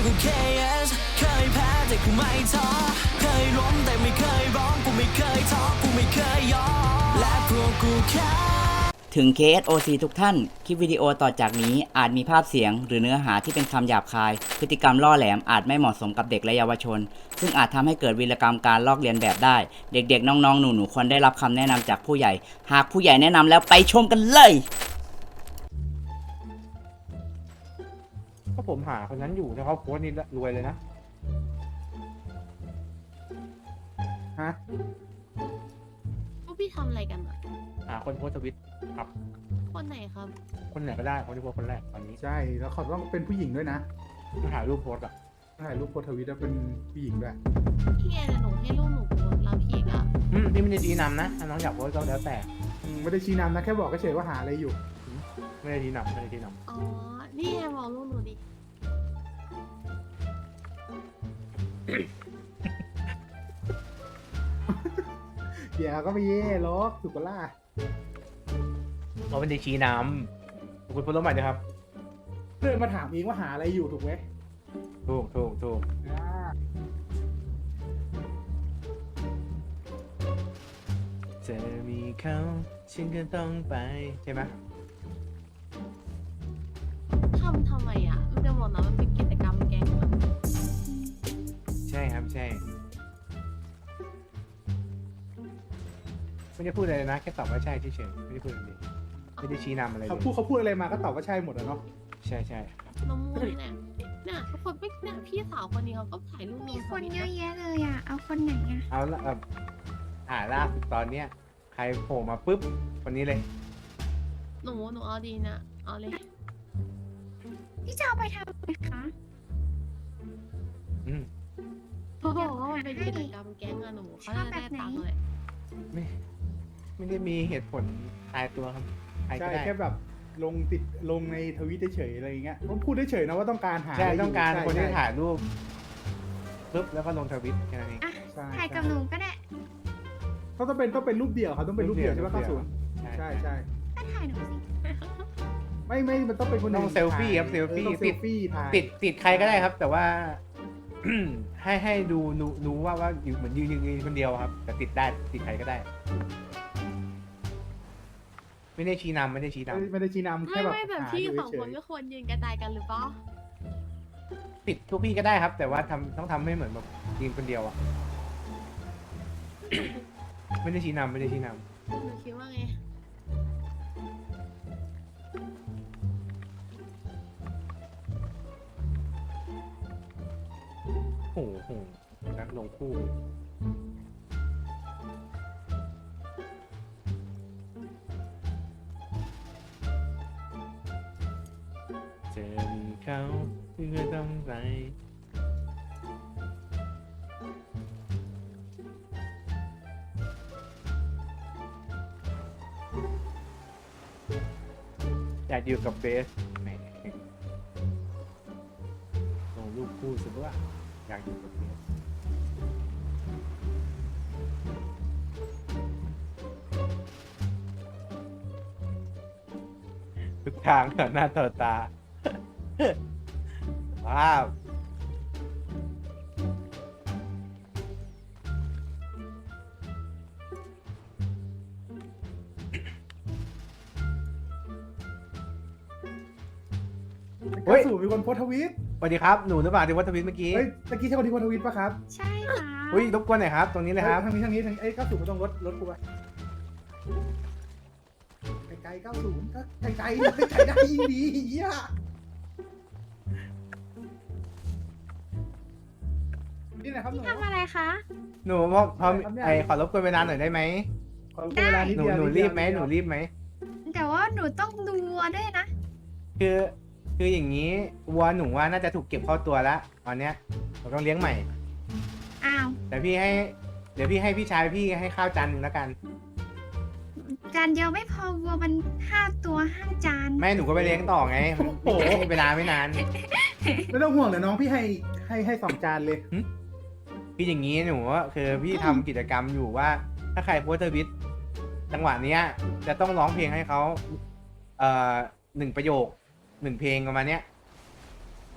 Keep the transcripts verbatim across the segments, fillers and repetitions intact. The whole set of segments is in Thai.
กู เค เอส เคยแพ้แต่กูไม่ท้อเคยล้มแต่ไม่เคยร้องกูไม่เคยท้อกูไม่เคยยอมและพวกกูแค่ถึง เค เอส โอ ซี ทุกท่าน คลิปวิดีโอต่อจากนี้อาจมีภาพเสียงหรือเนื้อหาที่เป็นคำหยาบคาย พฤติกรรมล่อแหลมอาจไม่เหมาะสมกับเด็กและเยาวชน ซึ่งอาจทำให้เกิดวีรกรรมการลอกเลียนแบบได้ เด็กๆ น้องๆ หนูๆ ควรได้รับคำแนะนำจากผู้ใหญ่ หากผู้ใหญ่แนะนำแล้วไปชมกันเลยถ้าผมหาคนนั้นอยู่ถ้าเขาโพสต์นี่รวยเลยนะฮะพวกพี่ทำอะไรกันอ่ะหาคนโพสต์ทวิตครับคนไหนครับคนไหนก็ได้คนที่โพสต์คนแรกตอนนี้ใช่แล้วเขาต้องเป็นผู้หญิงด้วยนะต้องหารูปโพสต์อ่ะถ่ายรูปโพสต์ทวิตแล้วเป็นผู้หญิงด้วยพี่แกจะหนูให้ลูกหนูโพสต์แล้วพี่ก็อืมนี่ไม่ได้ชี้นำนะถ้าน้องอยากโพสต์ก็แล้วแต่อืมไม่ได้ชี้นำนะแค่บอกเฉยๆว่าหาอะไรอยู่ไม่ได้ชี้นำไม่ได้ชี้นอ๋อ นี่ไงบอกลูกหนูดิเดี๋ยวก็ไปเย่ล็อกถูกปะล่ะำเราไม่ได้ชี้นำคุณโพสต์รูปใหม่ด้วยครับเพื่อนมาถามเองว่าหาอะไรอยู่ถูกไหมถูกถูกถูกอ่าจะมีเขาฉันก็ต้องไปใช่ไหมทำทำไมอ่ะมันจะบอกนะมันเป็นกิจกรรมแก๊งอะใช่ครับใช่ไม่ได้พูดอะไรเลยนะแค่ตอบว่าใช่เฉยๆไม่ได้พูดอะไรเลยไม่ได้ชี้นำอะไรเลเขายพูดเขาพูดอะไรมาก็ตอบว่าใช่หมดอะเนาะใช่ใช่น้ำมูกเนี่ยเนี่ยทุกคนไม่เนี่ยพี่สาวคนนี้เขาก็ถ่ายรูปลมีงคนเยทอะวิตแยะเลยอ่ะ เอาคนไหนอ่ะเอาละแบบอ่าล่าสุดตอนเนี้ยใครโผล่มาปุ๊บคนนี้เลยหนูหนูเอาดีนะเอาเลยพี่จะเอาไปทำอะไรคะอืมเพราะว่ามันเป็นกิจกรรมแก๊งอะหนูเขาจะได้ตังค์เลยไม่ไม่ได้มีเหตุผลตายตัวครับใครก็ใช่ได้แค่แบบลงติดลงในทวิตเฉยๆอะไรอย่างเงี้ยต้องพูดเฉยๆนะว่าต้องการหาใช่ะไยู่ต้องการใช่คนที่ใช่ถ่ายรูปปุ๊บแล้วก็ลงทวิตแค่นั้นเองอ่ะใช่ถ่ายกับหนูก็ได้เขาต้องเป็นต้องเป็นรูปเดี่ยวเขาต้องเป็นรูปเดี่ยวใช่ปะรูเก้าปเดี่ศูยนวย์ใช่ใช่ก็ถ่ายหนูสิไม่ไม่มันต้องเป็นคนต้องอื่นเซลฟี่ครับถ่ายเซลฟี่ออต้องเซติดลฟี่ถ่ายติดติดใครก็ได้ครับ แต่ว่า ให้ให้ดูรู้รู้ว่าว่าอยู่เหมือนยืนยืนยืนคนเดียวครับ แต่ติดได้ติดใครก็ได้ ไม่ได้ชี้นำไม่ได้ชี้นไม่ไม่ได้ชี้นำไม่แค่แบบไม่แบบหาพี่อยู่สองเฉคนยก็ควรยืนกระจายกันหรือเปล่าำติดทุกพี่ก็ได้ครับ แต่ว่าทำต้องทำให้เหมือนแบบยืนคนเดียวอ่ะ ไม่ได้ชี้นำไม่ได้ชี้นหนูคิดว่าไงำโอ้โหนักลงคู่จะมีเขาที่ก็ต้องไปอยากอยู่กับเบสแหมลงรูปคู่สิว่าอยากอยู่กับเบสทุกทางต่อหน้าต่อตา ว้าวๆเก้าศูนย์มีคนโพสต์ทวิตสวัสดีครับ หนูหรือเปล่าที่วัดทวิตเมื่อกี้เฮ้ยตะกี้ใช่คนที่โพสต์ทวิตปะครับใช่ค่ะอุ้ยรบกวนหน่อยครับ ตรงนี้เลยครับทางนี้ทางนี้ทางนี้เอ้ยเก้าศูนย์ไม่ต้องลดลดกูไปไกลๆเก้าศูนย์ก็ไกลๆไกลๆได้ยิ่งดีเหี้ยนี่แหละครับหนูทำอะไรคะหนูพอพอทำได้ไอขอรบกวนเวลาหน่อยได้ไหมขอเวลานิดหนูเดียวหนูดรีเดียวบไหมดหเดีนูยวรีบไหมแต่ว่าหนูต้องดูวัวด้วยนะคือคืออย่างนี้วัวหนูว่าน่าจะถูกเก็บเข้าตัวแล้วตอนเนี้ยเราต้องเลี้ยงใหม่อ้าวแต่พี่ให้ เดี๋ยวพี่ให้พี่ชายพี่ให้ข้าวจานหนึ่งแล้วกันจานเดียวไม่พอวัวมันห้าตัวห้าจานแม่หนูก็ไปเลี้ยงต่อไงมันไม่ไม่เวลาไม่นานไม่ต้องห่วงเดี๋ยวน้องพี่ให้ให้ให้สองจานเลยพี่อย่างนี้หนูว่าคือพี่ทำกิจกรรมอยู่ว่า ถ้าใครโพสต์ทวิตจังหวะเนี้ย จะต้องร้องเพลงให้เขาเอ่อหนึ่งประโยคหนึ่งเพลงประมาณเนี้ย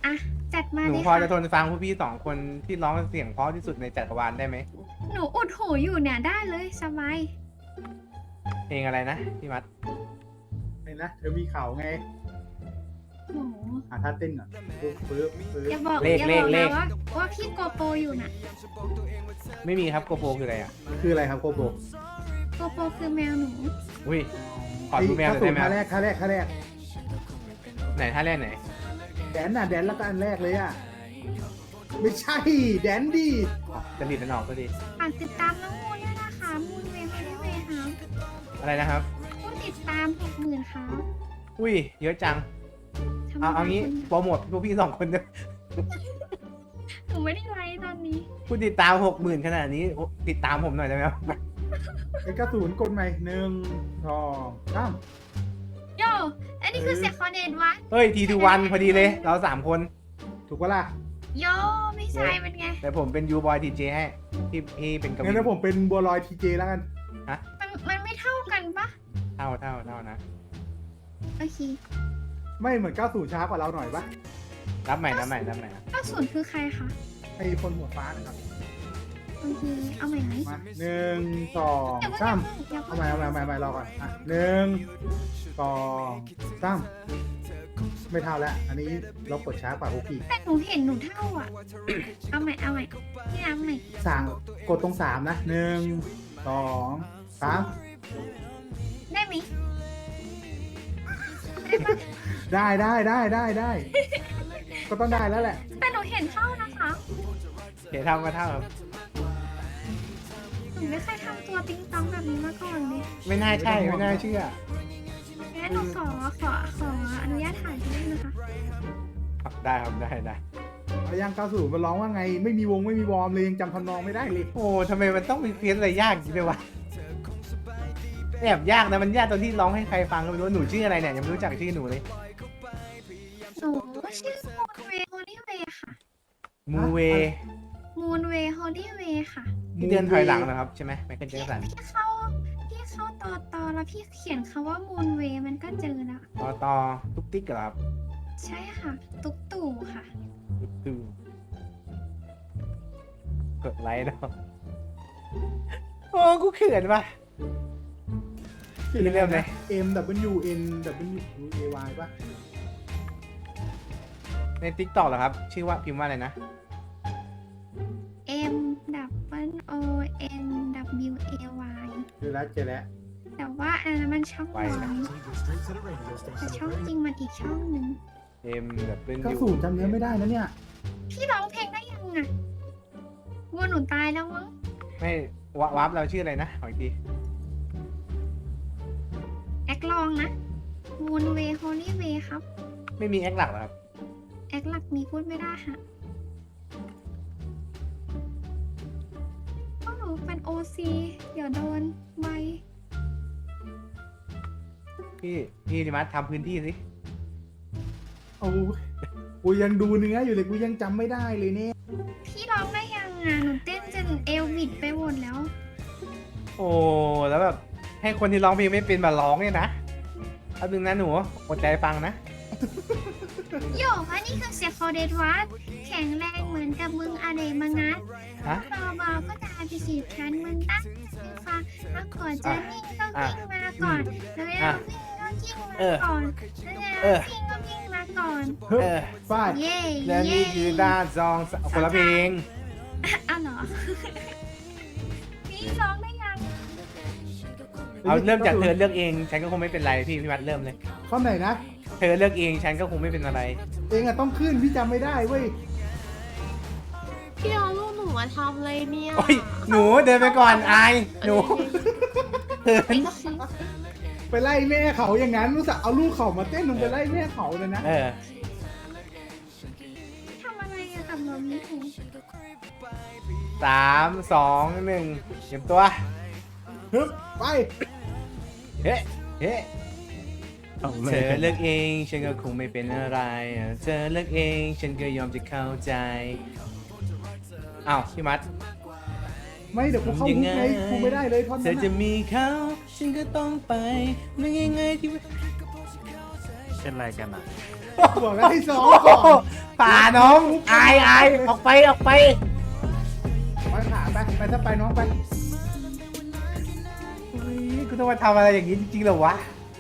อ่ะจัดมาหนูเลยพอค่ะจะทนฟังพวกพี่สองคนที่ร้องเสียงเพราะที่สุดในจักรวาลได้ไหมหนูอุดหูอยู่เนี่ยได้เลยสบายเพลงอะไรนะพี่มัดไอ้นะเธอมีเขาไงหนูหาท่าเต้นก่อนปึ๊บปึ๊บปึ๊บอย่าบอกอย่าบอกนะว่าว่าพี่โกโปรอยู่น่ะไม่มีครับโกโปคืออะไรอ่ะคืออะไรครับโกโบโกโปรคือแมวหนูอุ้ยขอดูแมวหน่อยได้ไหมท่าครับแรกท่าแรกท่าแรกไหนท่าแรกไหนแดนน่ะแดนแล้วก็อันแรกเลยอ่ะไม่ใช่แดนดีอ๋อจะรีดมันออกก็ดีฝากติดตามน้องมูนด้วยนะคะมูนเวย์ไม่ได้เวย์ค่ะอะไรนะครับผู้ติดตามหกหมื่นค่ะอุ้ยเยอะจังทำไมเอาเอางี้คุณโปรโมทพวกพี่สองคนเนี่ยหนูไม่ได้ไลฟ์ตอนนี้ผู้ติดตามหกหมื่นขนาดนี้โอ้ติดตามผมหน่อยได้ไหมครับไอ้กระสุนกดใหม่หนึ่งสองสามโยอันนี้คือเสียงคอนเดนวะเฮ้ยทีทูวันพอดีเลย เราสามคนถูกปะล่ะโยไม่ใช่เป็นไงแต่ผมเป็นยูบอยทีเจให้พี่พี่เป็นกวิงั้นนถ้าผมเป็นบัวลอยทีเจแล้วกันมันมันไม่เท่ากันปะเท่าเท่าเท่านะโอเคไม่เหมือนก้าวสู่ช้ากว่าเราหน่อยปะรับใหม่รับใหม่รับใหม่เก้าศูนย์คือใครคะไอ้คนหัวฟ้านะครับโอเคเอาใหม่ไหมมาหนึ่งสองเดี๋ยวสามเดี๋ยวเอาใหม่เอาใหม่เอาใหม่เอาใหม่รอก่อนอ่ะหนึ่งสองสามไม่เท่าแล้ว อันนี้เรากดช้ากว่าพวกพี่แต่หนูเห็นหนูเท่าอ่ะ เอาใหม่เอาใหม่พี่น้ำใหม่สามกดตรงสามนะหนึ่งสองสามได้ไหมได้ปะได้ได้ได้ได้ได้ ก็ต้องได้แล้วแหละแต่หนูเห็นเท่านะคะโอเคเท่าก็เท่าครับหนูไม่เคยทำตัวติ๊งต้องแบบนี้มาก่อนเลยไม่น่าใช่ไม่น่าเชื่องั้นหนูขอขอขออนุญาตถ่ายด้วยนะคะได้ครับได้ได้เอายังก้าวสู่มันร้องว่าไง ไม่มีวงไม่มีวอร์มเลยยังจำทำนองไม่ได้เลยโอ้ทำไมมันต้องมีเพี้ยนอะไรยากอย่างนี้ด้วยวะแอบยากนะมันยากตอนที่ร้องให้ใครฟังก็ไม่รู้หนูชื่ออะไรเนี่ยยังไม่รู้จักชื่อหนูเลยหนูชื่อมูนเวย์โฮลี่เวย์ค่ะมูเวมูนเวย์โฮลี่เวย์ค่ะที่เดินถอยหลังนะครับใช่ไหมไมเคิลแจ็คสันพี่เข้าพี่เข้าต่อต่อแล้วพี่เขียนคำว่ามูนเวย์มันก็เจอแล้วต่อต่อตุ๊กติ๊กเหรอครับใช่ค่ะ ตุ๊กตู่ค่ะตุ๊กตู่กดไลค์เนาะโอ้กูเขินว่ะ พี่เริ่มเลย M W N W A Y ป่ะในติ๊กต็อกเหรอครับ ชื่อว่าพิมพ์ว่าอะไรนะ M W O N W A Y เจอแล้วเจอแล้วแต่ว่าอันนั้นมันช่องไวน้อนะยแต่ช่องจริงมันอีกช่องหนึ่งเอ็มแบบเป็นก้าวสู่จำเนื้อไม่ได้นะเนี่ยพี่ร้องเพลงได้ยังอ่ะวัวหนูตายแล้วมั้งไม่วะวับเราชื่ออะไรนะขออีกทีแอคลองนะมูนเวย์โฮลี่เวย์ครับไม่มีแอคหลักเหรอครับแอคหลักมีพูดไม่ได้ฮะก็หนูเป็นโอซีเดี๋ยวโดนใบพี่พี่ดิมัสทำพื้นที่สิเอากูยังดูเนื้ออยู่เลยกูยังจำไม่ได้เลยเนี่ยพี่ร้องได้ยังอ่ะหนูเต้นจนเอวบิดไปหมดแล้วโอ้แล้วแบบให้คนที่ร้องเพลงไม่เป็นมาร้องเนี่ยนะเอาดึงนะหนูอดใจฟังนะโยกอันนี้คือเสียงคอเดดวัดแข็งแรงเหมือนกับมึงอาเดมังัดฮะเบาๆก็ตามไปสีบฉันมึงตั้งมือฟังถ้าขอจะนิ่งต้องวิ่งมาก่อนแล้วแล้ววิ่งก็วิ่งมาก่อนแล้ววิ่งก็วิ่งมาก่อนฮึบเออฟาดเย่และเย่นี่คือด้านซองคนละเพลงอ้าวเหรอพี่ร้องได้ยังเอาเริ่มจากเธอเลือกเองฉันก็คงไม่เป็นไรพี่พี่มัดเริ่มเลยข้อไหนนะเธอเลือกเองฉันก็คงไม่เป็นอะไรเองอะต้องขึ้นพี่จำไม่ได้เว้ยพี่เอาลูกหนูมาทำอะไรเนี่ยโอ้ยหนูเดินไปก่อนอายหนูเขินไปไล่แม่เขาอย่างนั้นรู้สึกเอาลูกเขามาเต้นลงไปไล่แม่เขาเลยนะเออทำอะไรอะกับน้องนี้ถูกสามสองหนึ่งเตรียมตัวฮึบไปเฮ้เฮ้เธอเลือกเองฉันก็คงไม่เป็นอะไรเธอเลือกเองฉันก็ยอมจะเข้าใจอ้าวพี่มัดไม่เดี๋ยวกูเข้าคุกไงกูไม่ได้เลยท่อนเธนั้อน จะอะมีเขาฉันก็ต้องไปไม่ง่ายๆที่เป็นไรกันอ่ะบอกแล้วให้ซ้อมก่อนป่าน้องอายอายออกไปออกไปไปขาไปไปถ้าไปน้องไปเฮ้ยกูต้องมาทำอะไรอย่างนี้จริงๆเหรอวะ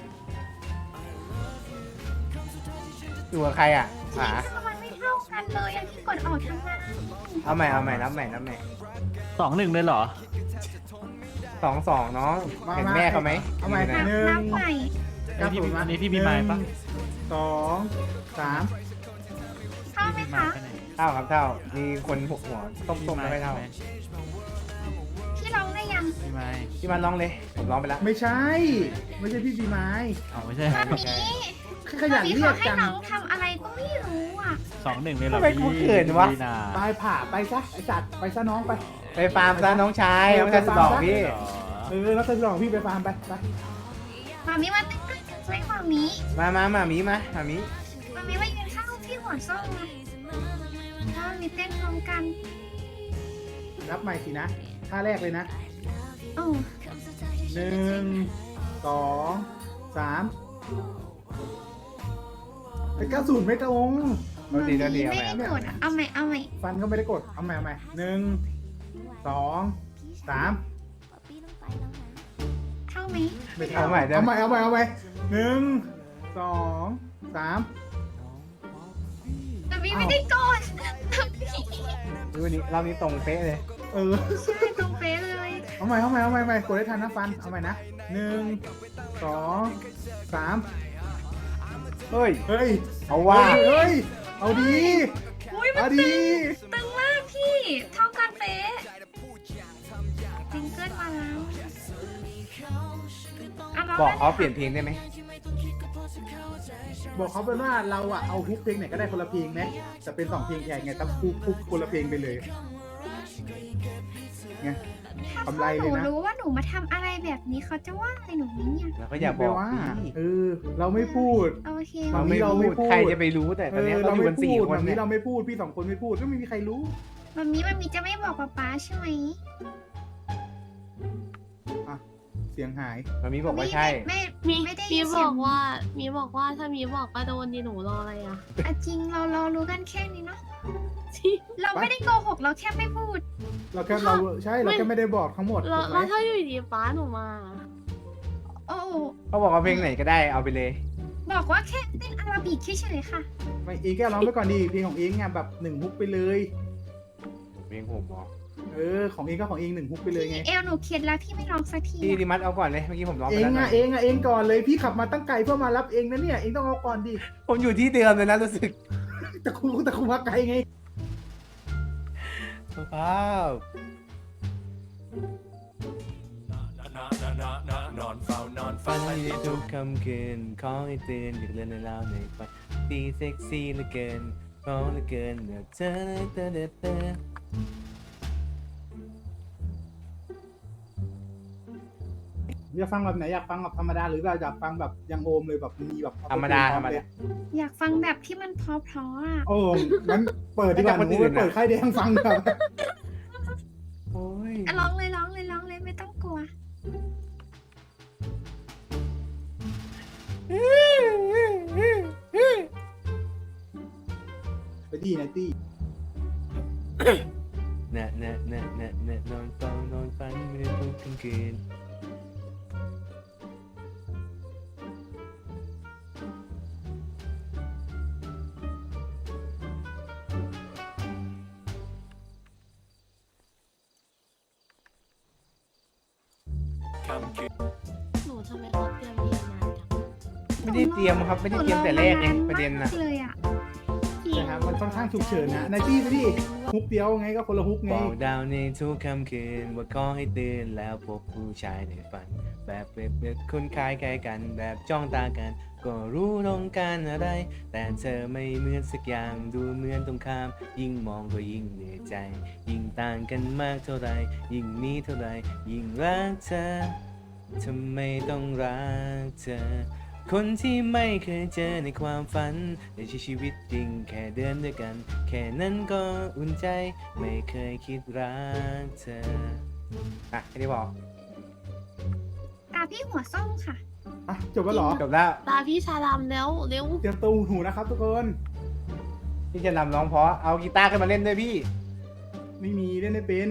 อยู่กับใครอ่ะหาทำไมไม่เท่ากันเลยอันที่กดออกทั้งนั้นเอาใหม่เอาใหม่นับใหม่นับใหม่สองหนึ่งเลยเหรอสองสองน้องเห็นแม่เขาไหมเอาใหม่นะหนึ่งนับใหม่อันนี้พี่อันนี้พี่มีไม้ปะหนึ่งสองสามเท่าไหมมีไม้คะไปไหนเท่าครับเท่ามีคนหัวหัวต้มๆแล้วไม่เท่าพี่ร้องได้ยังมีไม้พี่มันร้องเลยผมร้องไปแล้วไม่ใช่ ไม่ใช่พี่ปีไม้เอาไม่ใช่ตอนนี้ขยันตอนนี้เรียเขากให้จังน้องทำอะไรก็ไม่รู้อ่ะสองหนึ่งเลยเหรอทำไมกูพี่เขินวะพี่นาไปผ่าไปซะไอสัตว์ไปซะน้องไปไปฟาร์มซะน้องชายน้องชายสุดหล่อพี่เหรอเออแล้วเธอลองพี่ไปฟาร์มไปไปมามีมาเต้นด้วยกันไหมมามีมามามามีมามามีมามีมายืนข้างพี่หัวส้มนะมามีเต้นพร้อมกันรับใหม่สินะท่าแรกเลยนะโอ้หนึ่งสองสามไอ้เก้าศูนย์ไม่ตรงเราดีเราดีไม่เอาใหม่ได้กดอะเอาใหม่เอาใหม่ฟันก็ไม่ได้กดเอาใหม่เอาใหม่หนึ่งสองสามเท่าไหมไม่ทันเอาใหม่ได้เอาใหม่เอาใหม่เอาใหม่หนึ่งสองสามมามีไม่ได้กดดูวันนี้รอบนี้ตรงเป๊ะเลยเออใช่ตรงเป๊ะเลยเอาใหม่เอาใหม่เอาใหม่เอาใหม่กดได้ทันนะฟันเอาใหม่นะหนึ่งสองสามเฮ้ยเฮ้ยเอาว่าเฮ้ยเอาดีอุ้ยมันเอาตึดีงตึงมากพี่ เท่ากันเป๊ะซิงเกิลมาแล้วะร้งบอกเขาเปลี่ยนเพลงได้ไหมบอกเขาเป็นว่าเราอะเอาฮุกเพลงไหนก็ได้คนละเพลงนะแต่เป็นสองเพลงแข่งไงต้องฮุกฮุกคนละเพลงไปเลยไงถ้ากำไรเลยนะหนูรู้ว่าหนูมาทำอะไรแบบนี้เขาจะว่าอะไรหนูไหมเนี่ยแล้วก็อย่าบอกว่าพี่เออ เราไม่พูดโอเคเราไม่เราไม่พูดพูดใครจะไปรู้แต่ตอนนี้เออเราเราอยู่ไม่กันพูสี่ดคนแบบเนี่นี้ยเราไม่พูดพี่สองคนไม่พูดก็ไม่มีใครรู้มันมีมันมีจะไม่บอกป๊าป๊าใช่ไหมเสียงหายมันมีบอกว่าใช่ไม่มีไม่ได้มียินบเสียอง กว่า มีบอกว่าถ้ามีบอกว่าโดนดีหนูรออะไรอ่ะอ่ะจริงเราเรารู้กันแค่นี้เนาะที่เราไม่ได้โกหกเราแค่ไม่พูดเราแค่เราใช่เราแค่ไม่ได้บอกทั้งหมดแล้วถูกไหมแล้วถ้าอยู่ดีป้าหนูมาโอ้เขาบอกว่าเพลงไหนก็ได้เอาไปเลยบอกว่าแค่เต้นอาราบิกเฉยๆค่ะไม่เองก็ร้องไปก่อนดีเพลงของเองอ่ะแบบหนึ่งฮุกไปเลยเพลงผมบอกเออของเองก็ของเองหนึ่งฮุกไปเลยไงเอลหนูเครียดแล้วพี่ไม่ร้องสักทีพี่อะดิมัดเอาก่อนเลยเมื่อกี้ผมร้องเอไปงแล้วหน่อ่ะอยเองอ่ะเองก่อนเลยพี่ขับมาตั้งไกลเพื่อมารับเองนะเนี่ยเองต้องเอาก่อนดิผมอยู่ที่เดิมเลยนะรู้สึกแต่คุณแต่คุณมาไกลไงว้าวนอนเฝ้านอนฝัเฝ้านในทุกค่ำคืนขอให้ตื่นอยากเล่นในเล่าในฝันตีเซ็กซี่เหลือเกินเพราะเหลือเกินอยากเจอเธอเธอเธออยากฟังแบบไหนอยากฟังแบบธรรมดาหรือแบบอยากฟังแบบยังโอมเลยแบบมีแบบธรรมดาธรรมดาอยากฟังแบบที่มันเพราะๆอ่ะโอ้งั้นเปิดดีกว่าให้กับคนหนูอื่นไปเปิดอะค่ายแดงฟังครับโอ้ยอ่ะร้องเลยร้องเลยร้องเลยไม่ต้องกลัวไปดีนะตี้เนะเนะเนะเนะเนะนอนเฝ้านอนฝันไม่ได้ทุกค่ำคืนหนูทำไมเขาเตรียมเรียนมาจังไม่ได้เตรียมครับไม่ได้เตรียมแต่แรกเองประเด็นนะหมากเลยอ่ะนะครับมันค่อนข้างฉุกเฉินนะนายตี้ไปดิฮุกเดียวไงก็คนละฮุกไงบอกดาวในทุกค่ำคืนว่าขอให้ตื่นแล้วพบผู้ชายในฝัน แบบเปรียบเปรียบคุณคล้ายใกล้กันแบบจ้องตากัน ก็รู้ต้องการอะไร แต่เธอไม่เหมือนสักอย่างดูเหมือนตรงข้าม ยิ่งมองก็ยิ่งเหนื่อยใจ ยิ่งต่างกันมากเท่าไรยิ่งมีเท่าไรยิ่งรักเธอทำไมต้องรักเธอ คนที่ไม่เคยเจอในความฝันในชีวิตจริงแค่เดินด้วยกัน แค่นั้นก็อุ่นใจ ไม่เคยคิดรักเธอ อ่ะแค่นี้บอกตาพี่หัวส้มค่ะอ่ะจบแล้วเหรอจบแล้วตาพี่ชาดำแล้วเร็วเตรียมตัวหูนะครับทุกคนพี่จะนำร้องเพราะเอากีตาร์ขึ้นมาเล่นด้วยพี่ไม่มีเล่นไม่เป็น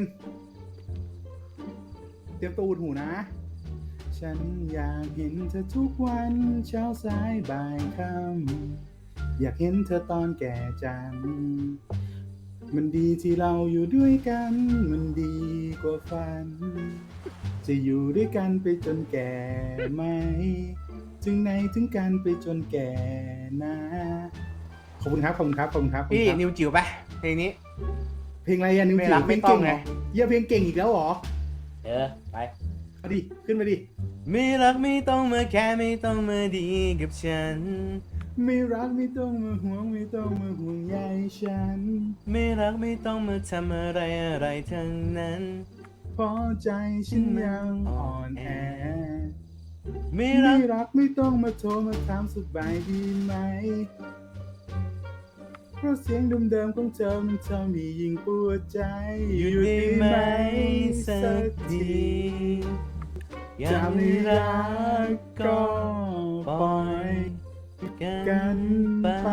เตรียมตัวหูนะ ฉันอยากเห็นเธอทุกวันเช้าสายบ่ายค่ำอยากเห็นเธอตอนแก่จัง มันดีที่เราอยู่ด้วยกัน มันดีกว่าฝัน จะอยู่ด้วยกันไปจนแก่ไหม ถึงไหนถึงกันไปจนแก่นะ ขอบคุณครับขอบคุณครับขอบคุณครับพี่ขอบคุณครับนิวจิ๋วไปเพลงนี้เพลงอะไรอะนิวไม่จิ๋รัวกเพไม่ลงต้เก่องงเหรอไงเยี่ยเพลงเก่งอีกแล้วเหรอเออไปเอาดิขึ้นมาดิไม่รักไม่ต้องมาแค่ไม่ต้องมาดีกับฉันไม่รักไม่ต้องมาห่วงไม่ต้องมาห่วงใยฉันไม่รักไม่ต้องมาทำอะไรอะไรทั้งนั้นเพราะใจฉันยังอ่อนแอไม่ไม่รักรักไม่ต้องมาโทรมาถามสบายดีไหม เพราะเสียงเดิมๆของเธอมันทำให้ยิ่งปวดใจอยู่ได้ไหมสักทีอย่าจะไม่ไม่รัรักกก็ก็ปปล่ล่ออย ยกักัน นไปไป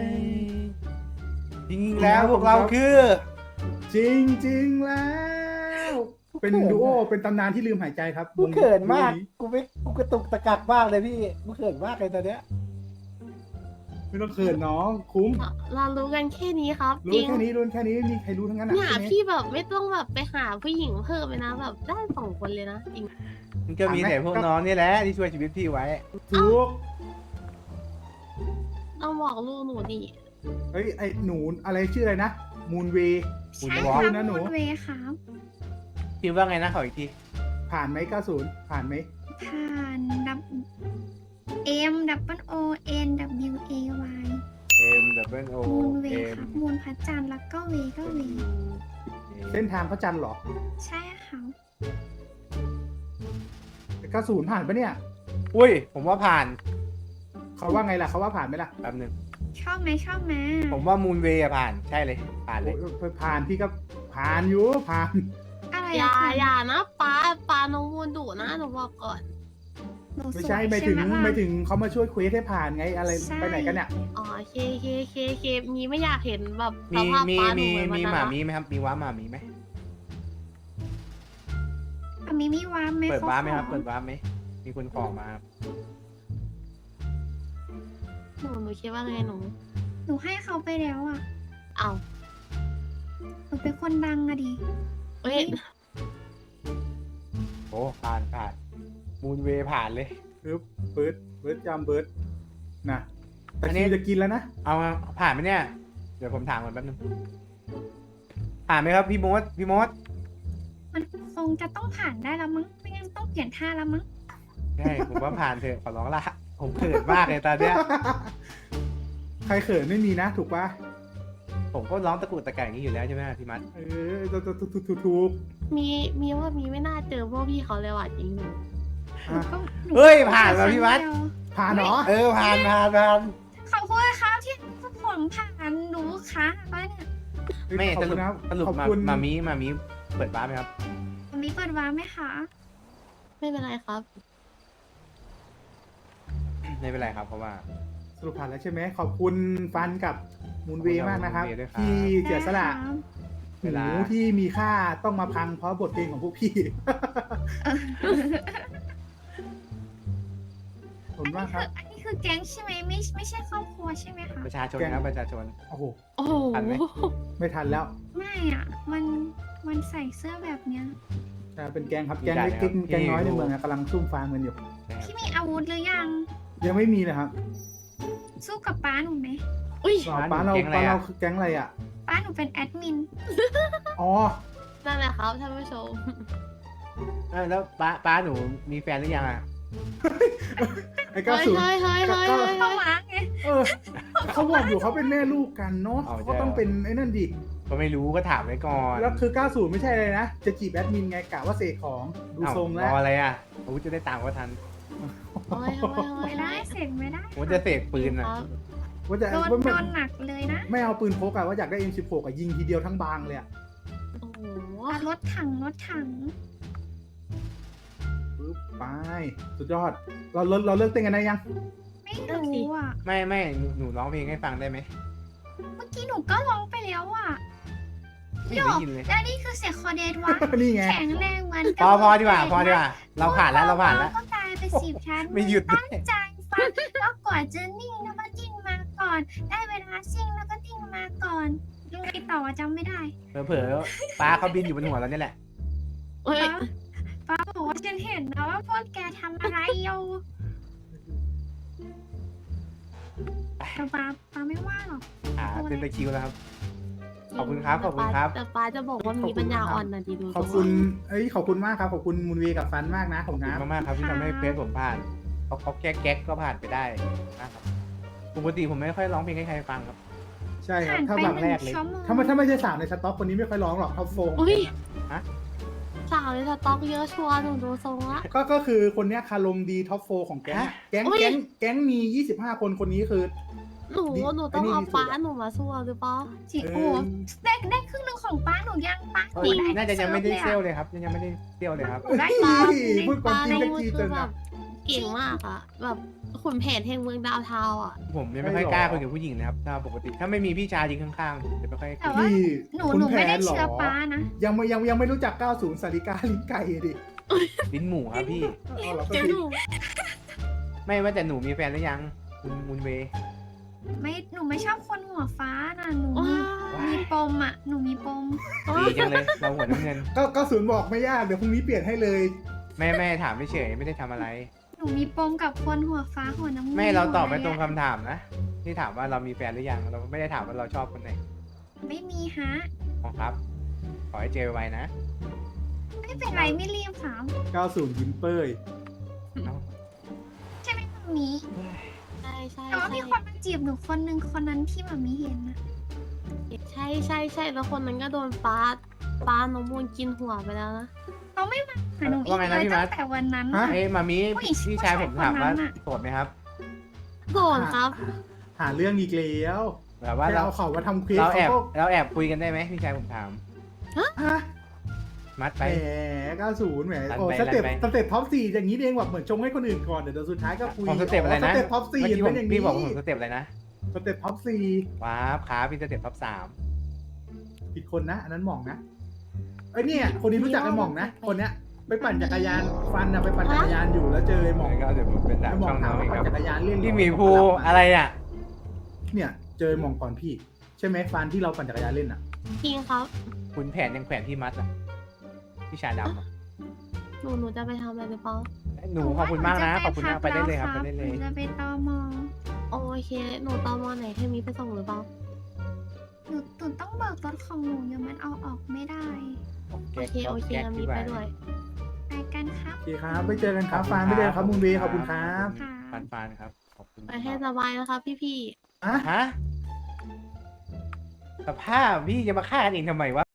จริงๆแล้วพวกเราคือจริงจริงๆแล้ว เป็นดูโอเป็นตำนานที่ลืมหายใจครับกูเขินมากวงนี้กูไม่กูกระตุกตะกักมากเลยพี่ กูเขินมากเลยตอนเนี้ยไม่ต้องเขินน้องคุ้มเรารู้กันแค่นี้ครับจรู้ริงแค่นี้รู้แค่นี้มีใครรู้ทั้งนั้นอ่ะเนี่ยใช่ไหมพี่แบบไม่ต้องแบบไปหาผู้หญิงเพิ่มเลยนะแบบได้สองคนเลยนะจริงมันก็มีแต่พวกน้องนี่แหละที่ช่วยชีวิตพี่ไว้ถูกต้องบอกลูกหนูดิเฮ้ยไอหนูอะไรชื่ออะไรนะมูนเวใช่วอครับนะหนูมูนเวย์ครับพิมพ์ว่าไงนะขออีกทีผ่านไหมเก้าสิบผ่านไหมผ่านดับ M W O N W A Y M W O มูนเวย์ M ครับมูนพระจันทร์แล้วก็เวย์ก็เวย์เส้นทางพระจันทร์เหรอใช่ครับเก้าสิบผ่านปะเนี่ยอุ้ย ผมว่าผ่านเขาว่าไงล่ะเขาว่าผ่านไหมล่ะแป๊บหนึงชอบไหมชอบไหมผมว่ามูนเวย์ผ่าน ใช่เลย ผ่านเลยโอ้ยผ่านพี่ก็ผ่านอยู่ผ่านอะไรอย่าอะคะอย่านะป้าป้าน้องมูลดุนะหนูบอกก่อนหนูสวยไม่ใช่ไม่ถึงใช่หล่ะไม่ถึงเขามาช่วยเควสให้ผ่านไงอะไรใช่ไปไหนกันเนี่ยอ๋อเคเคเคเคมีไม่อยากเห็นแบบสมีภาพมีป้าหนูมีเหมือนวันมีนั้นหมาละมีไหมครับ มีว้าหมามีไหมอ่ะมีมีวามไหมเปิดขว้าไหมครับขอเปิดว้าไหม มีคนขอมาครับหนูหนูคิดว่าไงหนูหนูให้เขาไปแล้วอ่ะเอาหนูเป็นคนดังอะดิเอ้ยโอ้ ผ่านผ่าน มูนเวย์ผ่านเลยปึ๊บเบิร์ดเบิร์ดจำเบิร์ดนะแต่อันนี้คิวจะกินแล้วนะเอามาผ่านไหมเนี่ย เดี๋ยวผมถามก่อนแป๊บนึง ผ่านไหมครับพี่มด พี่มดมันคงจะต้องผ่านได้แล้วมั้งไม่งั้นต้องเปลี่ยนท่าแล้วมั้งใช่ ผมว่าผ่านเถอะ ขอร้องละ ผมเขินมากเลยตอนเนี้ยใครเขินไม่มีนะ ถูกปะผมก็ร้องตะกุกตะกักอย่างนี้อยู่แล้วใช่ไหมพี่มัดเออถูกถูกถูกถูกถูกมีมีว่ามีไม่น่าเจอพวกพี่เขาเลยว่ะจริงหนูอ่ะก็หนูเฮ้ย ผ่านแล้วพี่มัดครั้งเดียวผ่านเหรอเออ ผ่านผ่านผ่านขอบคุณครับที่ผมผ่านหนูค่ะว่าเนี่ยไม่ขอบสคุรุณปครับสรุปขอบมาคุณมามีมามีเปิดบ้านไหมครับมีเปิดวาร์ปไหมคะไม่เป็นไรครับไม่เป็นไรครับ เพราะว่าสรุปผ่านแล้วใช่ไหมขอบคุณฟันกับมูนเวย์มากนะครับมูนเวย์ด้วยครับที่เสียสละได้ครับเวลาหูที่มีค่าต้องมาพังเพราะบทเพลงของพวกพี่ ขอบคุณมากครับอันนี้คือแก๊งใช่ไหมไม่ไม่ใช่ครอบครัวใช่ไหมคะประชาชนแกงครับประชาชนโอ้โหโอ้โหทันไหมไม่ทันแล้วไม่อ่ะ มันมันใส่เสื้อแบบเนี้ยแต่เป็นแกงครับแกงเล็กๆแกงน้อยในเมืองอะกำลังซุ่มฟาร์มกันอยู่พี่มีอาวุธหรือยังยังไม่มีเลยครับสู้กับป้าหนูไหมอุ้ยอ๋อป้าเราป้าเราคือแกงอะไรอ่ะป้าหนูเป็นแอดมินอ๋อนั่นแหละครับท่านผู้ชมเออแล้วป้าป้าหนูมีแฟนหรือยังอ่ะไอ้เก้าเฮ้ยศูนย์เฮ้ยเฮ้ยเฮ้ยก็เฮ้ยเข้ามาไงเออเขาบอกอยู่เขาเป็นแม่ลูกกันเนาะเอาใช่เขาต้องเป็นไอ้นั่นดิก็ไม่รู้ก็ถามไว้ก่อนแล้วคือเก้าศูนย์ไม่ใช่เลยนะ จะจีบแอดมินไงกะว่าเสกของดูเอ้าทรงรแล้วออะไรอ่ะอาวุธจะได้ตามก็ทันเฮ้ยเฮ้ยเฮ้ยไม่ได้เสร็จไม่ได้ผมจะเสกปืนอ่ะครับว่าจะโดนว่าโดไม่นหนักเลยนะไม่เอาปืนพกอะว่าอยากได้ เอ็ม สิบหก อะยิงทีเดียวทั้งบางเลยอะโอ้โหอ่ะรถถังรถถังรปึ๊บไปสุดยอด เราเราเราเลิกเต้นกันได้ยังไม่รู้อ่ะไม่ไม่หนูหนูร้องเพลงให้ฟังได้ไหมเมื่อกี้หนูก็ร้องไปแล้วอ่ะไม่ได้ยินเลยแล้วนี่คือเสียงคอเดนวะนี่ไงแข็งแรงเหมือนพอพอดีกว่าพอดีกว่าเราผ่านแล้วเราผ่านแล้วก็กลายเป็นสิบชั้นไม่หยุดด้วตั้ยงใจฟังแล้วกว่าจะนิ่งแล้วก็จิ้งมาก่อน ได้เวลาซิ่งแล้วก็ติ้งมาก่อนยังไงต่ออะจำไม่ได้เผลอๆป้าเขาบินอยู่บนหัวเราเนี่ยแหละเฮ้ยป้าบอกว่าฉันเห็นนะว่าพวกแกทำอะไรอยู่แต่ป้าป้าไม่ว่าหรอกอ่าเป็นตะคริวแล้วครับ ขอบคุณครับขอบคุณครับแต่ป้าจะบอกว่ามีปัญญาอ่อนนะดีดูขอบคุณเอ้ยขอบคุณมากครับขอบคุณมูลวีกับฟันมากนะขอบขอบคุณคุณนะมากๆครับที่ทำให้เพจผมผ่านเขาเขาแก๊กแก๊กก็ผ่านไปได้นะครับปกติผมไม่ค่อยร้องเพลงให้ใครฟังครับใช่ครับผ่านถ้าไปแบบหแรนึ่กงเลยชั่วโมงถ้าไม่ถ้าไม่ใช่สาวในสต็อกคนนี้ไม่ค่อยร้องหรอกท็อปโฟงอุ้ยฮะสาวในสต็อกเยอะชัวร์หนูดูทรงละก็ก็คือคนเนี้ยคารมดีท็อปโฟของแก๊งอะแก๊งอุ๊ยแก๊งแก๊งมียี่สิบห้าคนคนนี้คือหนูหนูต้องเอาป้าหนูมาสู้หรือเปล่าจริงโอ้โหได้ได้ครึ่งหนึ่งของป้าหนูยังป้าหเอนูอได้น่าจะยังไม่ได้เซลลล์เลยครับยังไม่ได้เซลล์เลยครับหนูได้เฮ้ป้ายพูดความจริงป้าได้นี่จีคืเกิอน แบอะบเก่งมากอะแบบขุนแผนแห่งเมืองดาวเทาวน์อะผมยังไม่ค่อยกล้าคุยกับผู้หญิงนะครับถ้าปกติถ้าไม่มีพี่ชายยืนข้างๆผมจะไม่ค่อยแต่ว่าพี่หนูคุณหนูแผไม่ได้นเหรอเชื่อป้านะยังไม่ยังยังไม่รู้จักเก้าสิบสาริกาลิ้นไก่ดิลิ้นหมูครับพี่เอาเหรอเดี๋ยวหนูไม่ว่าแต่หนูมีแฟนหรือยังคุณมุนเวย์ไม่หนูไม่ชอบคนหัวฟ้าน่ะหนูว้ามีมีปมอ่ะหนูมีปมดีจังเลยเราหัวน้ำเงินก็ก็ศูนย์บอกไม่ยากเดี๋ยวพรุ่งนี้เปลี่ยนให้เลยแม่แม่ถามไม่เฉยไม่ได้ทำอะไรหนูมีปมกับคนหัวฟ้าหัวน้ำเงินไม่เราตอบไม่ตรงหมดเลยอะคำถามนะที่ถามว่าเรามีแฟนหรือยังเราไม่ได้ถามว่าเราชอบคนไหนไม่มีฮะอ๋อครับ ขอให้เจอไวๆนะไม่เป็นไรไม่รีบถามเก้าสิบยิ้มเป้ยเอ้าใช่ไหมตรงนี้ใช่ใช่แต่ว่าใช่มีคนมาจีบหนูคนหนึ่งคนนั้นที่แบบมีเห็นนะใช่ใช่ใช่แล้วคนนั้นก็โดนป้าป้าน้องมูลกินหัวไปแล้วนะเขาไม่มาหาหนูอีว่าก ไงเลนะยพี่มัตั้ดงแต่วันนั้นฮะน่ะเอ้ยมามีผู้หญิงพี่ชายผมถามว่าผู้ชายคนนั้นน่ะโสดไหมครับโดนครับหาเรื่องอีกแล้วแบบว่าแค่เราเอาเขามาทำคลิปเราแอบเขาก็เราแอบคุยกันได้ไหมพี่ชายผมถามฮะมัดแหไปมเก้าสิบแหมลั่นโอ้ไปสเต็ปลั่นไปสเต็ปท็อปสี่อย่างนี้เองแบบเหมือนชงให้คนอื่นก่อนเดี๋ยวสุดท้ายก็คุยผมสเต็ปอะไรนะสเต็ปท็อปสี่เมื่อกี้ผเป็มนอย่างนี้พี่บอกว่าผมสเต็ปอะไรนะสเต็ปท็อปสี่ว้าวขาพี่สเต็ปท็อปสามผิดคนนะ อันนั้นหม่องนะไอ้ยเนี่ยคนนี้รู้จักไอ้หม่องนะคนเนี้ยไปปั่นจักรยานฟันนะไปปั่นจักรยานอยู่แล้วเจอไอ้หม่องก็เดี๋ยวผมเป็นดาบไอ้หม่อช่งองถามน้องว่าเองครับปั่นจักรยานเล่นเหรอพี่หมีภูอะไรอ่ะเนี่ยเจอไอ้หม่องก่อนพี่ ใช่ไหมฟันที่เราปั่นจักรยานเล่นอ่ะจริงครับคุณแผนยังแขวนที่มัดอ่ะพี่ชายดำอ่ะหนูหนูจะไปทำอะไรหรือเปล่าหนูขอบคุณมากนะขอบคุณมากไปได้เลยครับไปได้เลยหนูจะไปตอมอโอเค หนูตอมอไหนให้มีไปส่งหรือเปล่าหนูหนูต้องเบิกรถของหนูยังมันเอาออกไม่ได้โอเคโอเคงั้นมีไปด้วยไปกันครับโอเคครับไปเจอกันครับฟันไม่เจอกันครับมุนเวย์ขอบคุณครับค่ะฟานฟานครับ ขอบคุณไปให้สบายนะครับพี่พี่อ่ะฮะสภาพพี่จะมาฆ่ากันเองทำไมวะ